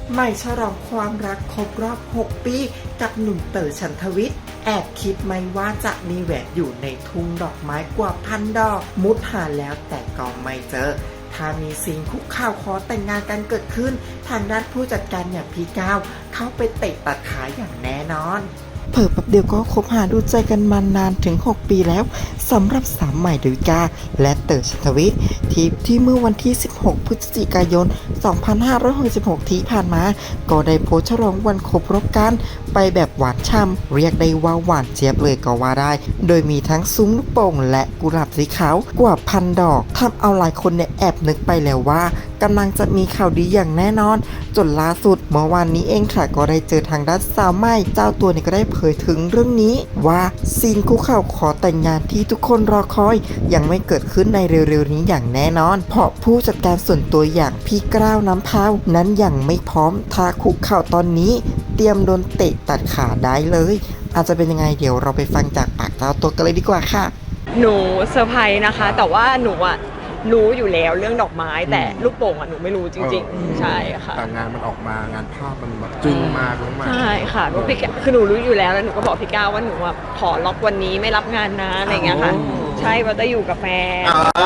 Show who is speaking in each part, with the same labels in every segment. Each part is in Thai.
Speaker 1: ไม่ฉลองความรักครบรอบ 6 ปีกับหนุ่มเต๋อ ฉันทวิทย์ แอบคิดไหมว่าจะมีแหวนอยู่ในทุ่งดอกไม้กว่าพันดอก มุดหาแล้วแต่ก็ไม่เจอ ถ้ามีสิ่งคุกข่าวขอแต่งงานกันเกิดขึ้น ทางด้านผู้จัดการอย่างพี่ก้าวเข้าไปเตะตัดขาอย่างแน่นอนเผิ่แป๊บเดียวก็คบหาดูใจกันมานานถึง 6 ปีแล้วสำหรับสาวใหม่ดาวิกาและเต๋อ ฉันทวิทย์ที่เมื่อวันที่ 16 พฤศจิกายน 2566 ที่ผ่านมาก็ได้โพสต์ฉลองวันครบรอบกันไปแบบหวานช่ำเรียกได้ว่าหวานเจี๊ยบเลยก็ว่าได้ โดยมีทั้งซุ้มลูกโป่งและกุหลาบสีขาวกว่าพันดอกทำเอาหลายคนเนี่ยแอบนึกไปแล้วว่ากำลังจะมีข่าวดีอย่างแน่นอนจนล่าสุดเมื่อวานนี้เองค่ะก็ได้เจอทางด้านสาวใหม่เจ้าตัวเนี่ยก็ได้เผยถึงเรื่องนี้ว่าซีนคุกเข่าขอแต่งงานที่ทุกคนรอคอยยังไม่เกิดขึ้นในเร็วๆนี้อย่างแน่นอนเพราะผู้จัดการส่วนตัวอย่างพี่กล้าวน้ำพาวนั้นยังไม่พร้อมถ้าคุกเข่าตอนนี้เตรียมโดนเตะตัดขาได้เลยอาจจะเป็นยังไงเดี๋ยวเราไปฟังจากปากเจ้าตัวกันเลยดีกว่าค่ะ
Speaker 2: หนูเซอร์ไพรส์นะคะแต่ว่าหนูอะรู้อยู่แล้วเรื่องดอกไม้แต่ลูกโป่งอะหนูไม่รู้จริงๆใช่ค่ะ
Speaker 3: แต่งานมันออกมางานภาพมันแบบจึ้งมากมาก
Speaker 2: ใช่ค่ะก็พี่คือหนูรู้อยู่แล้วหนูก็บอกพี่ก้าวว่าหนูอะขอล็อกวันนี้ไม่รับงานนะอะไรเงี้ยค่ะใช่ว่าจะอยู่กับแฟน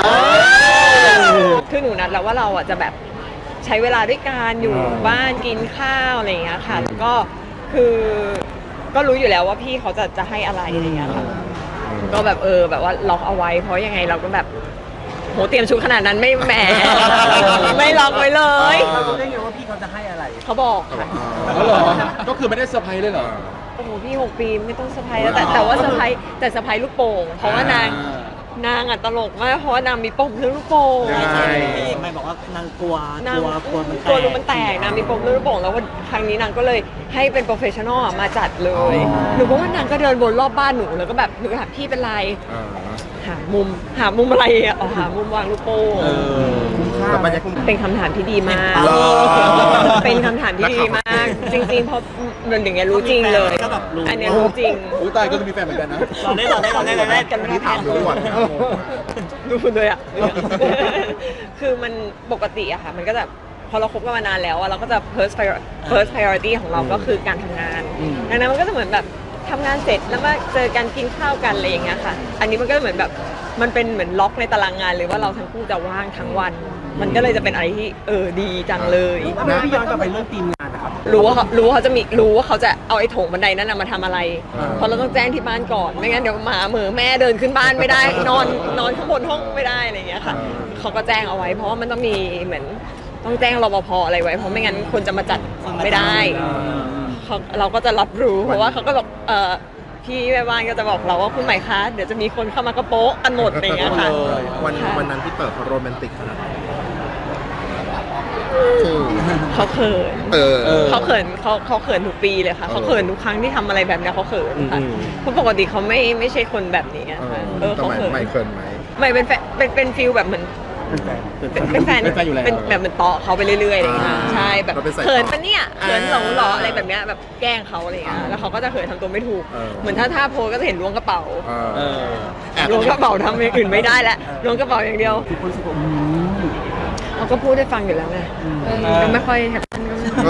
Speaker 2: คือหนูนัดแล้วว่าเราอะจะแบบใช้เวลาด้วยกันอยู่บ้านกินข้าวอะไรเงี้ยค่ะแล้วก็คือก็รู้อยู่แล้วว่าพี่เขาจะให้อะไรอะไรเงี้ยค่ะก็แบบแบบว่าล็อกเอาไว้เพราะยังไงเราก็แบบโหเตรียมชุดขนาดนั้นไม่แหม ไม่ล็อกไว้เลย
Speaker 4: เรารู้ได้ไงว่าพี่เขาจะให้อะไร
Speaker 2: เขาบอกค่ะ
Speaker 3: ก็คือไม่ได้เซอร์ไพรส์เลยเหรอ
Speaker 2: โอ้โหพี่6 ปีไม่ต้องเซอร์ไพรส์แล้วแต่ว่าเซอร์ไพรส์แต่เซอร์ไพรส์ลูกโป่งเพราะว่านางอ่ะตลกมากเพราะว่านางมีปมเรื่องลูกโป่ง
Speaker 4: ใช่ไม่บอกว่านางกลัว
Speaker 2: รูมันแตกนางมีปมเรื่องลูกโป่งแล้ววันครั้งนี้นางก็เลยให้เป็นโปรเฟชชั่นอลมาจัดเลยหนูก็ว่านางก็เดินวนรอบบ้านหนูแล้วก็แบบหนูถามพี่เป็นไรหามุมอะไรอ่ะหามุมวางลูกโป่งเป็นคำถามที่ดีมากเป็นคำถามที่ดีมากจริงๆเพราะมันอย่างเงี้ยรู้จริงเลยอันนี้รู้จริง
Speaker 3: อุ้ยตายก็มีแฟนเหมือนกันนะ
Speaker 4: เราได้
Speaker 2: กันไม่ได้ถามดูเลยอ่ะคือมันปกติอะค่ะมันก็จะพอเราคบกันมานานแล้วอะเราก็จะ first priority ของเราก็คือการทำงานดังนั้นมันก็จะเหมือนแบบทำงานเสร็จแล้วมาเจอกันกินข้าวกันอะไรอย่างเงี้ยค่ะอันนี้มันก็เหมือนแบบมันเป็นเหมือนล็อกในตารางงานเลยว่าเราทั้งคู่จะว่างทั้งวันมันก็เลยจะเป็นอะไรที่ดีจังเลย
Speaker 4: พี่ย้อนกลับไปเรื่องทีมงานนะครับ
Speaker 2: รู้ว่าเขาจะเอาไอ้โถงบันไดนั้นมาทำอะไรเพราะเราต้องแจ้งที่บ้านก่อนไม่งั้นเดี๋ยวหมาเหมือแม่เดินขึ้นบ้านไม่ได้นอนข้างบนห้องไม่ได้อะไรอย่างเงี้ยค่ะเขาก็แจ้งเอาไว้เพราะว่ามันต้องมีเหมือนต้องแจ้งรปภอะไรไว้เพราะไม่งั้นคนจะมาจัดไม่ได้เราก็จะรับรู้เพราะว่าเขาก็บอกพี่แม่บ้านก็จะบอกเราว่าคุณใหม่คะเดี๋ยวจะมีคนเข้ามากระโป๊ะกันหมดอะไรอย่างเงี้ยค่ะ
Speaker 3: วันนั้นที่เปิดเขาโรแมนติกขนาดไหน
Speaker 2: เขาเขินเขาเขินทุกปีเลยค่ะเขาเขินทุกครั้งที่ทำอะไรแบบนี้เขาเขินค่ะเพราะปกติเขาไม่ใช่คนแบบนี้
Speaker 3: เขาเขินไม่เขินไหม
Speaker 2: ไม่เป็นฟิลแบบเหมือนเป็นแฟนอยู่แล้วเป็นแบบเหมือนต่อเขาไปเรื่อยๆอะไรอย่างเงี้ยใช่แบบเขินปะเนี่ยเขินหลออะไรแบบเนี้ยแบบแกล้งเขาอะไรอย่างเงี้ยแล้วเขาก็จะเขินทำตัวไม่ถูกเหมือนถ้าโพสก็จะเห็นล้วงกระเป๋าล้วงกระเป๋าทำอย่างอื่นไม่ได้แล้วล้วงกระเป๋าอย่างเดียวเขาก็พูดได้ฟังอยู่แล้วไงก็ไม่ค่อยแฮปปี้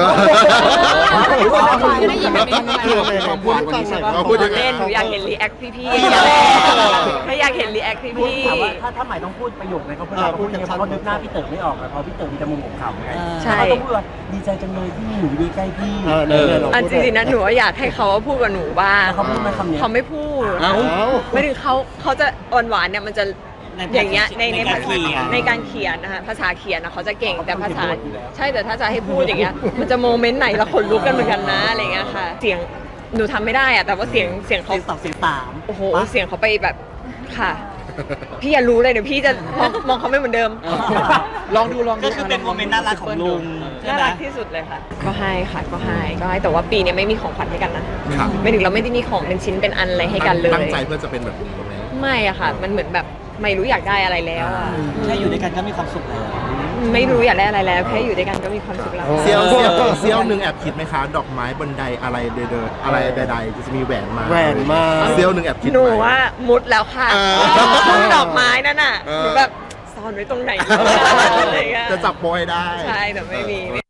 Speaker 3: ได้ยินแบบนี้ความพูดฟังหน่อยเราพูดยังไง
Speaker 2: หนูอยากเห็นรีแอคพี่ถ้าอยากเห็นรีแอคพี่
Speaker 4: ถ้าใหม่ต้องพูดประโยคไหนเขาพูดยังไงเพราะนึกหน้าพี่เต๋อไม่ออกเพราะพี่เต๋อมีแต่มุมของเขาไง
Speaker 2: ใช่
Speaker 4: เขาต้องพูดว่าดีใจจังเลยที่หนูดีใกล้พี่
Speaker 2: จริงๆนะหนูอยากให้เขาพูดกับหนูบ้าง
Speaker 4: เขาพูดไหมคำนี้
Speaker 2: เขาไม่พูดไม่ถึงเขาจะอ่อนหวานเนี่ยมันจะอย่างเงี้ยในการเขียนนะคะภาษาเขียนนะเขาจะเก่งแต่ภาษาใช่แต่ถ้าจะให้พูดอย่างเงี้ยมันจะโมเมนต์ไหนละขนลุกกันเหมือนกันนะอะไรเงี้ยค่ะเสียงหนูทำไม่ได้อะแต่ว่าเสียงเขา
Speaker 4: ตอบเสียงตาม
Speaker 2: โอ้โหเสียงเขาไปแบบค่ะพี่อย่ารู้เลยเดี๋ยวพี่จะมองเขาไม่เหมือนเดิม
Speaker 3: ลองดู
Speaker 4: ก็คือเป็นโมเมนต์น่ารักของลุง
Speaker 2: น่ารักที่สุดเลยค่ะก็ให้ค่ะก็ให้แต่ว่าปีนี้ไม่มีของขวัญให้กันนะไม่ถึงเราไม่ได้มีของเป็นชิ้นเป็นอันอะไรให้กันเลย
Speaker 3: ตั้งใจเพื่อจะเป็นแบบนี้
Speaker 2: ไม่อะค่ะมันเหมือนแบบไม่รู้อยากได้อะไรแล้วอะ
Speaker 4: แค่อยู่ด้วยกันก็มีความสุขแล้ว
Speaker 2: ไม่รู้อยากได้อะไรแล้วแค่อยู่ด้วยกันก็มีความสุขแล้ว
Speaker 3: เซี่ยวหนึ่งแอบคิดไหมคะดอกไม้บนไดอะไรอะไรใดๆจะมีแหวนมาเซี่ยวหนึ่งแอบคิด
Speaker 2: หนูว่ามุดแล้วค่ะดอกไม้นั่นน่ะหนูแบบซ่อนไว้ตรงไหน
Speaker 3: จะจับโปรให้ได้
Speaker 2: ใช่แต่ไม่มีแน่น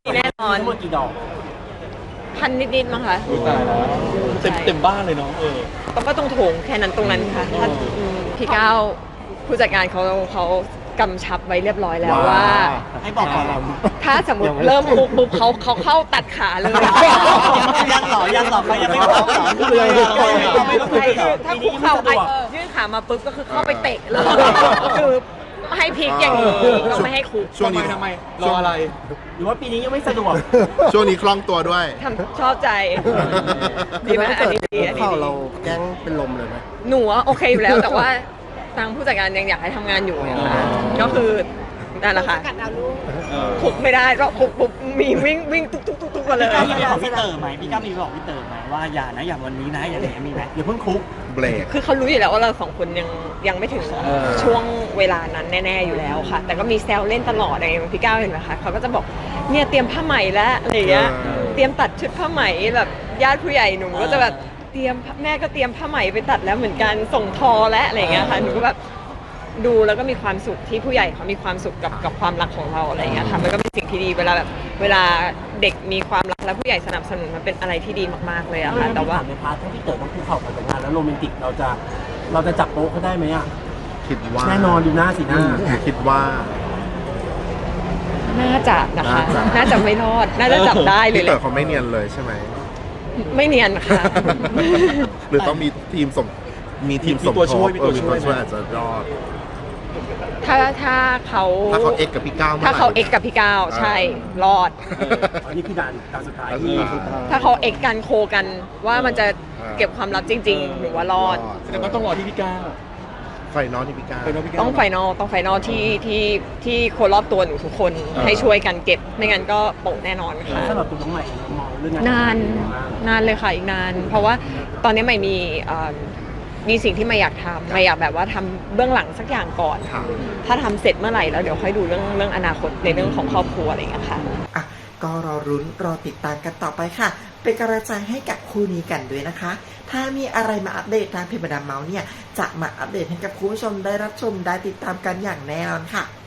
Speaker 4: ทั้งหมดกี่ดอก
Speaker 2: พันนิดๆมั้งคะ
Speaker 5: ตายแล้วเต็มบ้านเลยเนาะ
Speaker 2: ก็ต้องโถงแค่นั้นตรงนั้นค่ะถ้าพี่ก้าวผู้จัดการเขากำชับไว้เรียบร้อยแล้วว่า
Speaker 4: ให้บอกก่อนเรา
Speaker 2: ถ้าสมมติเริ่มปุ๊บเขาเข้าตัดขาเลย
Speaker 4: ยังหรอเขายังไม่บอกหรอ
Speaker 2: ถ้าคุกเข่ายื่นขามาปุ๊บก็คือเข้าไปเตะเลยคือให้พลิกอย่างนี้เราไม่ให้คุก
Speaker 3: ช่วงนี้
Speaker 5: ทำไมรออะไร
Speaker 4: หรือว่าปีนี้ยังไม่สะดวก
Speaker 3: ช่วงนี้คล่องตัวด้วย
Speaker 2: ชอบใจดีไหมอันนี้ดีอันนี้
Speaker 3: เรา
Speaker 2: ดี
Speaker 3: แกล้งเป็นลมเลยไหม
Speaker 2: หนูว่าโอเคอยู่แล้วแต่ว่าทางผู้จัดการยังอยากให้ทำงานอยู่นะคะก็คือนั่นแหละค่ะคุกไม่ได้ก็คุกปุ๊บมีวิ่งตุ๊กมาเลย
Speaker 4: พี่ก้าวมีบอกพี่เต๋อไหมพี่ก้าวมีบอกพี่เต๋อไหมว่าอย่านะอย่าวันนี้นะอย่างนี้มีไหมอย่าเพิ่งคุก
Speaker 3: เบรก
Speaker 2: คือเขารู้อยู่แล้วว่าเราสองคนยังไม่ถึงช่วงเวลานั้นแน่ๆอยู่แล้วค่ะ แต่ก็มีแซวเล่นตลอดอะไรอย่างพี่ก้าวเห็นไหมคะเขาก็จะบอกเนี่ยเตรียมผ้าไหมแล้วอะไรอย่างเงี้ยเตรียมตัดชุดผ้าไหมแบบญาติผู้ใหญ่หนูก็จะแบบเตรียมแม่ก็เตรียมผ้าไหมไปตัดแล้วเหมือนกันส่งทอและอะไรอย่างเงี้ยค่ะหนูก็แบบดูแล้วก็มีความสุขที่ผู้ใหญ่เขามีความสุขกับความรักของเราอะไรอย่างเงี้ยค่ะมันก็เป็นสิ่งที่ดีเวลาเด็กมีความรักและผู้ใหญ่สนับสนุนมันเป็นอะไรที่ดีมากๆเลยอะค่ะแต่ว่า
Speaker 4: ในพาร์ทถ้าพี่เต๋อต้องคุกเข่าก่อนแต่งงานแล้วโรแมนติกเราจะจับโป๊ะเขาได้ไหมอ่ะ
Speaker 3: คิดว่า
Speaker 4: แน่นอนดูหน้าสีหน้า
Speaker 3: คิดว่า
Speaker 2: น่าจะนะคะ น่าจะไม่รอด น่าจะจับได้เลย
Speaker 3: พี่
Speaker 2: แห
Speaker 3: เต๋อ
Speaker 2: ละ
Speaker 3: เขาไม่เนียนเลยใช่ไหม
Speaker 2: ไม่เนียนค่ะ
Speaker 3: หรือต้องมีทีมสม
Speaker 5: มีตัวช่วย
Speaker 3: มีตัวช่วยอาจจะรอด
Speaker 2: ถ้าเขา
Speaker 3: ถ้าเขาเอ็กกับพี่ก้าว
Speaker 2: ถ้าเขาเอ็กกับพี่ก้าวใช่รอด
Speaker 4: อันนี้คือด่านสุดท้าย
Speaker 3: อัน
Speaker 4: ที่
Speaker 3: นี้
Speaker 2: ถ้าเขาเอ็กกันโคกันว่ามันจะเก็บความลับจริงๆหนูว่ารอด
Speaker 5: แสดงว่าต้องรอที่พี่ก้าว
Speaker 3: ไฟนอลที่พี่ก้าว
Speaker 5: ไปเนาะพี่ก้าว
Speaker 2: ต้องไฟนอลที่คนรอบตัวหนูทุกคนให้ช่วยกันเก็บไม่งั้นก็โปะแน่นอนค่ะ
Speaker 4: สำหรับตัวน้องใหม่มองเรื่อง
Speaker 2: นานเลยค่ะอีกนาน เพราะว่าตอนนี้ใหม่มีสิ่งที่ไม่อยากทำไม่อยากแบบว่าทำเบื้องหลังสักอย่างก่อน
Speaker 3: ค่ะ
Speaker 2: ถ้าทำเสร็จเมื่อไหร่แล้วเดี๋ยวค่อยดูเรื่องอนาคตในเรื่องของครอบครัวอะไรอย่างเงี้ยค่ะ
Speaker 1: อ่ะก็รอรุ้นรอติดตามกันต่อไปค่ะ เป็นกำลังใจให้กับคู่นี้กันด้วยนะคะ ถ้ามีอะไรมาอัปเดตทางเพจมาดามเมาส์เนี่ยจะมาอัปเดตให้กับคุณผู้ชมได้รับชมได้ติดตามกันอย่างแน่นอนค่ะ